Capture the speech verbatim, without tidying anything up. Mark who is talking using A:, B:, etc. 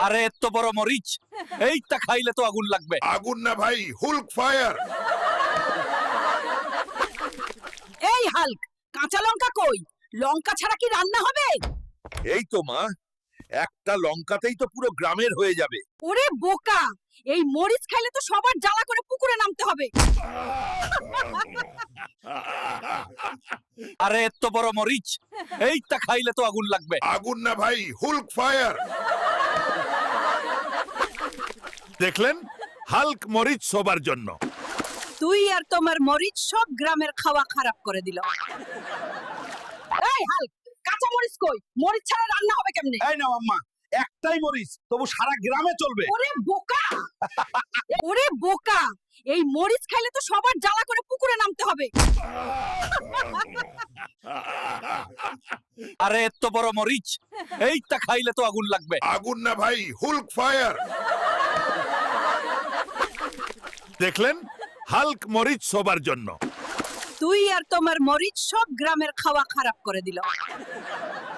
A: আরে এত বড় মরিচ এইটা খাইলে তো আগুন লাগবে।
B: আগুন না ভাই, হুল্ক ফায়ার।
C: এই হাল্ক, কাঁচা লঙ্কা কই? লঙ্কা ছাড়া কি রান্না হবে?
A: এই তো মা, একটা লঙ্কাতেই তো পুরো গ্রামের হয়ে যাবে।
C: ওরে বোকা, এই মরিচ খাইলে তো সবার জ্বালা করে পুকুরে নামতে হবে।
A: আরে এত বড় মরিচ এইটা খাইলে তো আগুন লাগবে।
B: আগুন না ভাই, হুল্ক ফায়ার। দেখলেন, হাল্ক মরিচ সবার জন্য।
C: তুই আর তোমার মরিচ সব গ্রামের খাওয়া খারাপ করে দিল। এই হাল্ক, কাঁচা মরিচ কই? মরিচ ছাড়া রান্না হবে কেমনে?
A: এই নাও আম্মা, একটাই মরিচ তবু সারা গ্রামে চলবে।
C: ওরে বোকা, ওরে বোকা, এই মরিচ খাইলে তো সবার জ্বালা করে পুকুরে নামতে হবে।
A: আরে এত বড় মরিচ এইটা খাইলে তো আগুন লাগবে।
B: আগুন না ভাই, হুল্ক ফায়ার। দেখলেন, হাল্ক মরিচ সবার জন্য।
C: তুই আর তোমার মরিচ সব গ্রামের খাওয়া খারাপ করে দিল।